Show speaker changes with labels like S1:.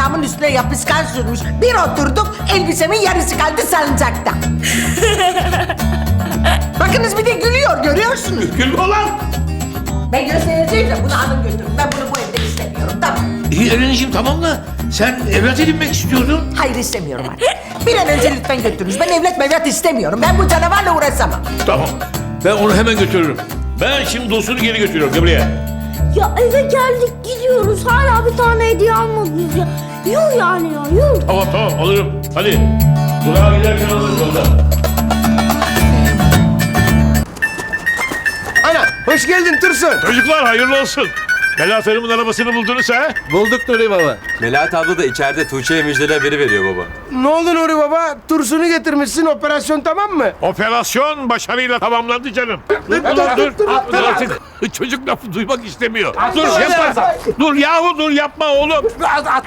S1: ayağımın üstüne yapışkan sürmüş. Bir oturduk, elbisemin yarısı kaldı salıncakta. Bakınız bir de gülüyor, görüyorsunuz.
S2: Gülme lan!
S1: Ben göstereceğim de bunu alın götürün. Ben bunu bu evde istemiyorum, tamam.
S2: İyi Ereniciğim tamam da sen evlat edinmek istiyordun.
S1: Hayır istemiyorum artık. Bir an önce lütfen götürünüz. Ben evlat mevlat istemiyorum. Ben bu canavarla uğraşamam.
S2: Tamam. Ben onu hemen götürürüm. Ben şimdi dostunu geri götürüyorum. Gel buraya.
S3: Ya eve geldik gidiyoruz. Hala bir tane hediye almadınız ya. Yuh yani ya yuh.
S2: Tamam alırım. Hadi. Durağa giderken alırım yolda.
S4: Ana hoş geldin Tursun.
S2: Çocuklar hayırlı olsun. Melahat Hanım'ın arabasını buldunuz ha?
S4: Bulduk Nuri baba.
S5: Melahat abla da içeride Tuğçe'ye müjdeler veriyor baba.
S4: Ne oldu Nuri baba? Tursun'u getirmişsin, operasyon tamam mı?
S2: Operasyon başarıyla tamamlandı canım. Dur artık. Çocuk lafı duymak istemiyor. Dur yapma. Dur yahu dur yapma oğlum.